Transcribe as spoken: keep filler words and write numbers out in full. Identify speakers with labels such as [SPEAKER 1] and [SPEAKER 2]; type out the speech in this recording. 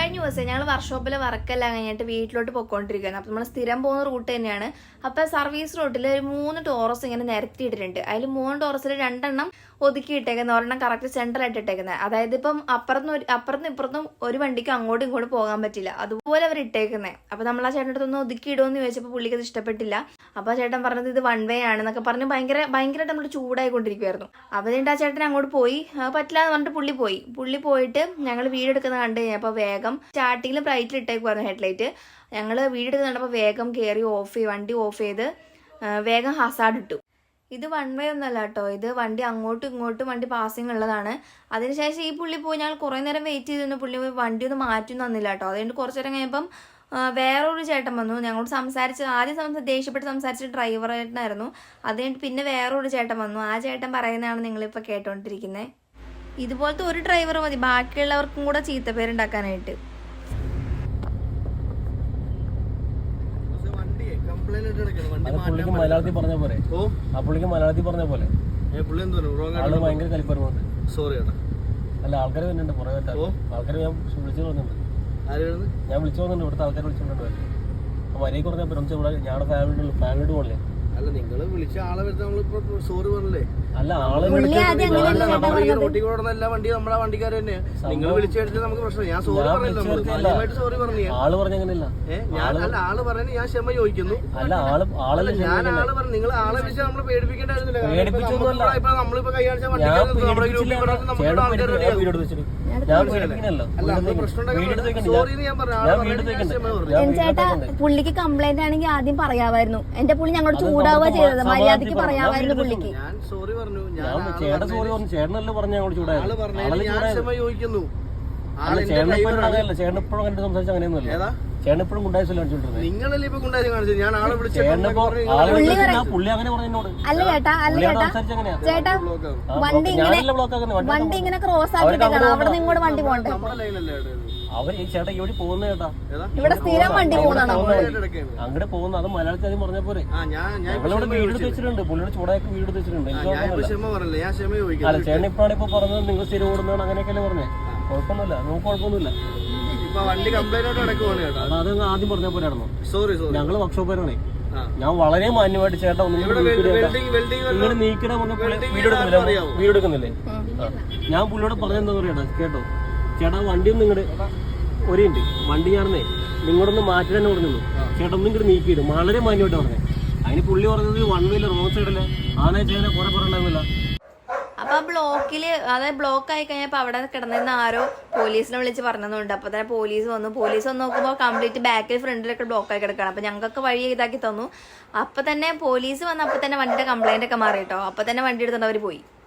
[SPEAKER 1] കഴിഞ്ഞ ദിവസം ഞങ്ങൾ വർക്ക്ഷോപ്പിൽ വർക്കെല്ലാം കഴിഞ്ഞിട്ട് വീട്ടിലോട്ട് പോയിക്കൊണ്ടിരിക്കുകയാണ്. അപ്പം നമ്മൾ സ്ഥിരം പോകുന്ന റൂട്ട് തന്നെയാണ്. അപ്പം സർവീസ് റൂട്ടിൽ ഒരു മൂന്ന് ടോറസ് ഇങ്ങനെ നിരത്തിയിട്ടിട്ടുണ്ട്. അതിൽ മൂന്ന് ടോറസിൽ രണ്ടെണ്ണം ഒതുക്കി ഇട്ടേക്കുന്നത്, ഒരെണ്ണം കറക്റ്റ് സെൻട്രലായിട്ട് ഇട്ടേക്കുന്നത്. അതായത് ഇപ്പം അപ്പുറത്തും അപ്പുറത്തും ഇപ്പുറത്തും ഒരു വണ്ടിക്ക് അങ്ങോട്ടും ഇങ്ങോട്ടും പോകാൻ പറ്റില്ല, അതുപോലെ അവർ ഇട്ടേക്കുന്നത്. അപ്പം നമ്മൾ ആ ചേട്ടൻ്റെ അടുത്തൊന്ന് ഒതുക്കി ഇടുമെന്ന് ചോദിച്ചപ്പോൾ പുള്ളിക്ക് അത് ഇഷ്ടപ്പെട്ടില്ല. അപ്പോൾ ആ ചേട്ടൻ പറഞ്ഞത് ഇത് വൺ വേ ആണെന്നൊക്കെ പറഞ്ഞ് ഭയങ്കര ഭയങ്കരമായിട്ട് നമ്മൾ ചൂടായിക്കൊണ്ടിരിക്കുമായിരുന്നു. അപ്പോൾ എന്നിട്ട് ആ ചേട്ടൻ അങ്ങോട്ട് പോയി, പറ്റില്ല എന്ന് പറഞ്ഞിട്ട് പുള്ളി പോയി പുള്ളി പോയിട്ട് ഞങ്ങൾ വീഡിയോ എടുക്കുന്നത് കണ്ടു കഴിഞ്ഞപ്പോൾ വേഗം സ്റ്റാർട്ടിങ്ങിൽ ബ്രൈറ്റിൽ ഇട്ടേക്കുമായിരുന്നു ഹെഡ്ലൈറ്റ്. ഞങ്ങൾ വീഡിയോ എടുക്കുന്നത് കണ്ടപ്പോൾ വേഗം കയറി ഓഫ് ചെയ്ത് വണ്ടി ഓഫ് ചെയ്ത് വേഗം ഹസാർഡ് ഇട്ടു. ഇത് വൺ വേ ഒന്നല്ല കേട്ടോ, ഇത് വണ്ടി അങ്ങോട്ടും ഇങ്ങോട്ടും വണ്ടി പാസിങ് ഉള്ളതാണ്. അതിനുശേഷം ഈ പുള്ളി പോയി ഞങ്ങൾ കുറേ നേരം വെയിറ്റ് ചെയ്തിരുന്നു. പുള്ളി പോയി വണ്ടി ഒന്നും മാറ്റി തന്നില്ല കേട്ടോ. അതുകൊണ്ട് കുറച്ച് നേരം കഴിയുമ്പം വേറൊരു ചേട്ടൻ വന്നു. ഞങ്ങളോട് സംസാരിച്ച് ആദ്യം സംസാ ദേഷ്യപ്പെട്ട് സംസാരിച്ച ഡ്രൈവറായിട്ടായിരുന്നു. അത് കഴിഞ്ഞിട്ട് പിന്നെ വേറൊരു ചേട്ടൻ വന്നു. ആ ചേട്ടൻ പറയുന്നതാണ് നിങ്ങളിപ്പോൾ കേട്ടോണ്ടിരിക്കുന്നത്. ഇതുപോലത്തെ ഒരു ഡ്രൈവർ മതി ബാക്കിയുള്ളവർക്കും കൂടെ ചീത്തപ്പേരുണ്ടാക്കാനായിട്ട്.
[SPEAKER 2] മലയാളത്തിൽ പറഞ്ഞ പോലെ ആ പുള്ളിക്ക് മലയാളത്തിൽ പറഞ്ഞ പോലെ ഭയങ്കര കലിപ്പറുണ്ട്.
[SPEAKER 3] സോറി
[SPEAKER 2] അല്ല ആൾക്കാർ വരുന്നുണ്ട് കുറെ ആൾക്കാർ ഞാൻ വിളിച്ചു പോകുന്നുണ്ട് ഞാൻ വിളിച്ചു പോകുന്നുണ്ട് ഇവിടുത്തെ ആൾക്കാർ വിളിച്ചോണ്ട് മര്യാദ പറഞ്ഞാൽ ഇവിടെ ഞങ്ങളുടെ ഫാമിലി ഫാമിലിയോട് പോലെ.
[SPEAKER 3] അല്ല നിങ്ങള് വിളിച്ച ആളെ വരുന്ന നമ്മളിപ്പോ സോറി പറഞ്ഞല്ലേ?
[SPEAKER 2] അല്ല ആളെ
[SPEAKER 3] റോട്ടിൽ കൂടുന്ന എല്ലാ വണ്ടിയും നമ്മുടെ വണ്ടിക്കാർ തന്നെ. നിങ്ങൾ വിളിച്ചു കഴിഞ്ഞാൽ നമുക്ക് പ്രശ്നം. ഞാൻ സോറി പറഞ്ഞില്ല, സോറി പറഞ്ഞു.
[SPEAKER 2] ആള് പറഞ്ഞങ്ങനല്ല
[SPEAKER 3] ഞാൻ അല്ല ആള് പറഞ്ഞു, ഞാൻ ക്ഷമ ചോദിക്കുന്നു.
[SPEAKER 2] അല്ല ആള് ആളല്ല
[SPEAKER 3] ഞാൻ ആള് പറഞ്ഞു. നിങ്ങൾ ആളെ വിളിച്ചാൽ നമ്മള് പേടിപ്പിക്കേണ്ടായിരുന്നില്ല. ഇപ്പൊ നമ്മളിപ്പോ കൈ കാണിച്ചാൽ വണ്ടി
[SPEAKER 1] ചേട്ടാ പുള്ളിക്ക് കംപ്ലൈന്റ് ആണെങ്കിൽ ആദ്യം പറയാമായിരുന്നു. എന്റെ പുള്ളി ഞങ്ങളോട് ചൂടാവുക ചെയ്തത്, മര്യാദക്ക് പറയാമായിരുന്നു പുള്ളിക്ക്.
[SPEAKER 3] ഞാൻ സോറി പറഞ്ഞു.
[SPEAKER 2] ചേട്ടൻ സോറി പറഞ്ഞു. ചേട്ടനല്ല പറഞ്ഞു ഞങ്ങൾ ചൂടായത്.
[SPEAKER 3] ചോദിക്കുന്നു
[SPEAKER 2] ചേട്ടൻ എപ്പോഴും കണ്ടു സംസാരിച്ച അങ്ങനെയൊന്നുമല്ല. ചേട്ടൻ എപ്പോഴും ഗുണ്ടായിസല്ല കാണിച്ചോണ്ടിരുന്നത്.
[SPEAKER 3] നിങ്ങളല്ലേ ഇപ്പൊ ഗുണ്ടായി കാണിച്ചത്? ഞാൻ ആളെ വിളിച്ചു
[SPEAKER 2] പുള്ളി അങ്ങനെ പറഞ്ഞോട്.
[SPEAKER 1] അല്ല ചേട്ടാ അല്ല ചേട്ടാ ചേട്ടാ വണ്ടി ഇങ്ങനെ വണ്ടി ഇങ്ങനെ ക്രോസ് ആക്കിയിട്ടാണ് അവിടെ ഇങ്ങോട്ട് വണ്ടി പോകണ്ടേ?
[SPEAKER 2] അവർ ഈ ചേട്ടാ ഇവിടെ പോകുന്ന ചേട്ടാ
[SPEAKER 1] ഇവിടെ സ്ഥിരം വണ്ടി പോകുന്നതാണോ
[SPEAKER 2] അങ്ങോട്ട് പോകുന്നത്? അത് മലയാളത്തിൽ ആദ്യം പറഞ്ഞ പോലെ ഞങ്ങളിവിടെ വീട് വെച്ചിട്ടുണ്ട്. പുള്ളിയുടെ ചൂടാക്കി വീട് വെച്ചിട്ടുണ്ട്. അല്ല ചേട്ടൻ ഇപ്പോഴാണ് ഇപ്പൊ പറഞ്ഞത് നിങ്ങൾ സ്ഥിരം ഓടുന്നതാണ് അങ്ങനെയൊക്കെയല്ലേ പറഞ്ഞേ. കുഴപ്പമൊന്നുമില്ല, നമുക്ക് കുഴപ്പമൊന്നുമില്ല. അത് ആദ്യം പറഞ്ഞ പോലെയാണോ?
[SPEAKER 3] സോറി
[SPEAKER 2] ഞങ്ങള് വർക്ക്ഷോപ്പേരാണേ. ഞാൻ വളരെ മാന്യമായിട്ട് ചേട്ടാ ഒന്നും നിങ്ങൾ നീക്കിടാൻ പറഞ്ഞ വീഡിയോ എടുക്കുന്നില്ല വീഡിയോ എടുക്കുന്നില്ലേ? ഞാൻ പുള്ളിയോട് പറഞ്ഞെന്താ പറയട്ടാ കേട്ടോ, ചേട്ടാ വണ്ടി ഒന്നും ഇങ്ങോട്ട് ഒരു ഉണ്ട് വണ്ടി ഞാനേ നിങ്ങളൊന്ന് മാറ്റി തന്നെ പറഞ്ഞു. ചേട്ടാ ഒന്നും ഇങ്ങോട്ട് നീക്കിയിടും. വളരെ മാന്യമായിട്ട് പറഞ്ഞേ. അതിന് പുള്ളി പറഞ്ഞത് വൺ വീല് റോഡ് സൈഡല്ലേ ആണേ ചേട്ടനെ കുറെ പറഞ്ഞില്ല.
[SPEAKER 1] അപ്പൊ ആ ബ്ലോക്കില് അതായത് ബ്ലോക്ക് ആയി കഴിഞ്ഞപ്പോ അവിടെ കിടന്നിരുന്ന ആരോ പോലീസിനെ വിളിച്ച് പറഞ്ഞതുകൊണ്ട് അപ്പൊ തന്നെ പോലീസ് വന്നു. പോലീസ് വന്ന് നോക്കുമ്പോൾ കംപ്ലീറ്റ് ബാക്കിൽ ഫ്രണ്ടിലൊക്കെ ബ്ലോക്ക് ആയി കിടക്കണം. അപ്പൊ ഞങ്ങൾക്കൊക്കെ വഴി ഇതാക്കി തന്നു. അപ്പൊ തന്നെ പോലീസ് വന്ന് അപ്പൊ തന്നെ വണ്ടിയുടെ കംപ്ലൈന്റ് ഒക്കെ മാറി കേട്ടോ. അപ്പൊ തന്നെ വണ്ടി എടുത്തിട്ട് അവര് പോയി.